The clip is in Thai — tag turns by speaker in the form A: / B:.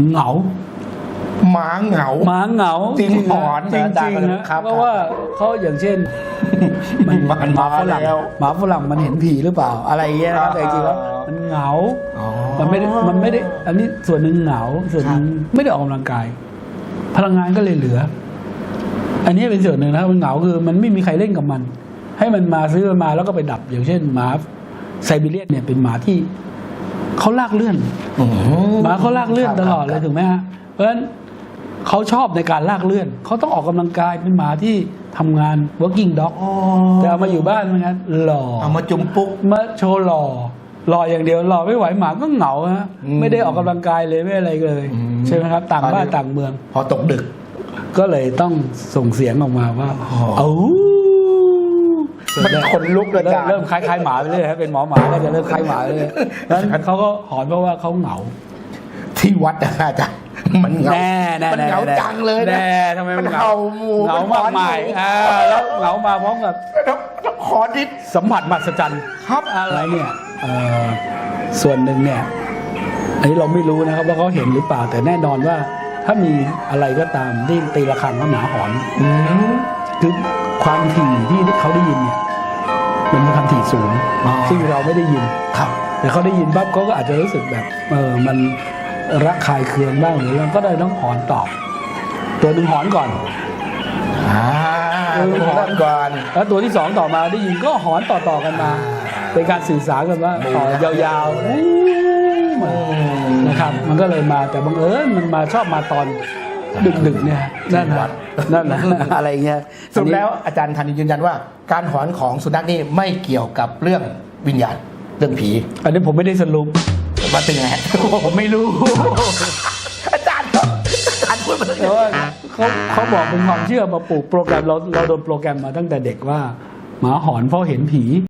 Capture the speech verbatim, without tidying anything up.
A: เหงา
B: หมาเหงา
A: หมาเหงา
B: จริงหอน
A: จริงจริงนะครับเพราะว่าเขาอย่างเช่นมัน
B: มัน
A: หมาฝรั่ง
B: แล้ว
A: หมาฝรั่งมันเห็นผีหรือเปล่าอะไรอย่างเงี้ยนะครับแต่จริงๆแล้วมันเหงา
B: อ๋อ
A: มันไม่ได้มันไม่ได้อันนี้ส่วนหนึ่งเหงาส่วนหนึ่งไม่ได้ออกกำลังกาย พลังงานก็เลยเหลือ อันนี้เป็นส่วนหนึ่งนะครับมันเหงาคือมันไม่มีใครเล่นกับมัน ให้มันมาซื้อมันมาแล้วก็ไปดับอย่างเช่นหมาไซบีเรียนเนี่ยเป็นหมาที่เขาลากเลื่อนหมาเขาลากเลื่อนตลอดเลยถูกไหมฮะเพราะฉะนั้นเขาชอบในการลากเลื่อนเขาต้องออกกำลังกายเป็นหมาที่ทำงาน working dog แต่เอามาอยู่บ้านมันงั้นหล่อ
B: เอามาจุ่มปุ๊ก
A: มาโชว์หล่อหล่ออย่างเดียวหล่อไม่ไหวหมาก็เหงาฮะไม่ได้ออกกำลังกายเลยไม่อะไรเลยใช่ไหมครับต่างบ้านต่างเมือง
B: พอตกดึก
A: ก็เลยต้องส่งเสียงออกมาว่าเอ้า
B: มันขนลุกเลยจ้ะ
A: เริ่มคล้ายๆหมาไปเลยครับเป็นหมอหมาก็จะเริ่มคล้ายหมาเลยนั้นเขาก็หอนเพราะว่าเขาเหงา
B: ที่วัดนะอาจารย์มันเหงามันเหงาจังเลยนะ
A: ทำไมมันเหงาเหงามากมายแล้วเหงามาพร้อมกับ
B: ขอทิศ
A: สัมผัสมหัศจรรย์ครับอะไรเนี่ยส่วนหนึ่งเนี่ยอันนี้เราไม่รู้นะครับว่าเขาเห็นหรือเปล่าแต่แน่นอนว่าถ้ามีอะไรก็ตามที่ตีระฆังว่าหมาหอนคือความถี่ที่เขาได้ยินเนี่ยมันเป็นความถี่สูงซึ่งเราไม่ได้ยิน
B: ครับ
A: แต่เขาได้ยินปั๊บเขาก็อาจจะรู้สึกแบบเออมันระคายเคืองบ้างหรือเราก็ได้ต้องหอนตอบตัวหนึ่งหอนก่อน
B: อ่าหอนก่อน
A: แล้วตัวที่สองต่อมาได้ยินก็หอนต่อๆกันมาเป็นการสื่อสารกันว่าต่อยาวๆนะครับมันก็เลยมาแต่บังเอิญมันมาชอบมาตอนดึกๆเนี่ยนั่นนะนั่นนะอะไรเงี้ย
B: สรุปแล้วอาจารย์ธันยืนยันว่าการหอนของสุนัขนี่ไม่เกี่ยวกับเรื่องวิญญาณเรื่องผี
A: อันนี้ผมไม่ได้สรุป
B: ว่าเป็นไง
A: ผมไม่รู้
B: อาจารย์อาจารย์พูดมา
A: แต่ว่าเขาเขาบอกเป็นความเชื่อมาปลูกโปรแกรมเราเราโดนโปรแกรมมาตั้งแต่เด็กว่าหมาหอนเพราะเห็นผี